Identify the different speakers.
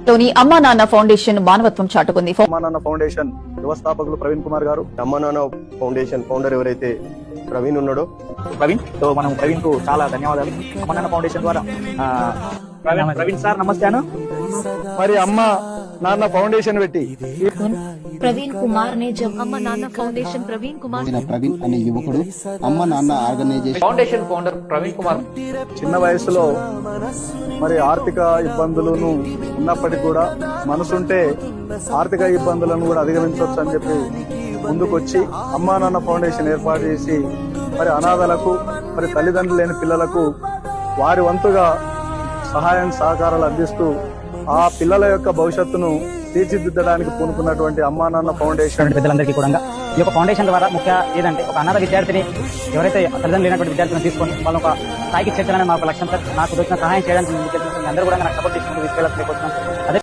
Speaker 1: లోని అమ్మా నాన్న ఫౌండేషన్ మానవత్వం చాటుకుంది.
Speaker 2: అమ్మా నాన్న ఫౌండేషన్ వ్యవస్థాపకులు ప్రవీణ్ కుమార్ గారు,
Speaker 3: అమ్మా నాన్న ఫౌండేషన్ ఫౌండర్ ఎవరైతే ప్రవీణ్ ఉన్నాడో
Speaker 2: మనం ప్రవీణ్ కు చాలా ధన్యవాదాలు. అమ్మా నాన్న ఫౌండేషన్ ద్వారా ప్రవీణ్ సార్ నమస్తే. మరి అమ్మ నాన్న ఫౌండేషన్ పెట్టి
Speaker 4: प्रवीण कुमार ने जब अम्मा नाना फाउंडेशन प्रवीण कुमार
Speaker 5: ప్రవీణ్ అనే యువకుడు అమ్మ నాన్న organisation
Speaker 6: foundation founder Praveen Kumar
Speaker 2: చిన్న వయసులో మరి ఆర్థిక ఇబ్బందులను ఉన్నప్పటికీ కూడా మనసుంటే ఆర్థిక ఇబ్బందులను కూడా అధిగమించవచ్చు అని చెప్పి ముందుకొచ్చి అమ్మా నాన్న ఫౌండేషన్ ఏర్పాటు చేసి మరి అనాథలకు మరి తల్లిదండ్రులు లేని పిల్లలకు వారి వంతుగా సహాయం సహకారాలు అందిస్తూ ఆ పిల్లల యొక్క భవిష్యత్తును తీర్చిదిద్దడానికి పూనుకున్నటువంటి అమ్మా నాన్న ఫౌండేషన్
Speaker 7: పెద్దలందరికీ కూడా ఈ యొక్క ఫౌండేషన్ ద్వారా ముఖ్య ఏదంటే ఒక అనాథ విద్యార్థిని ఎవరైతే తల్లిదండ్రులు లేనటువంటి విద్యార్థులను తీసుకొని వాళ్ళ ఒక స్థాయికి చేర్చాలని మా ఒక లక్ష్యం. నాకు దొరికిన సహాయం చేయడానికి అందరూ కూడా నాకు సపోర్ట్ తీసుకుంటూ తీసుకెళ్ళకపోతున్నాం. అదే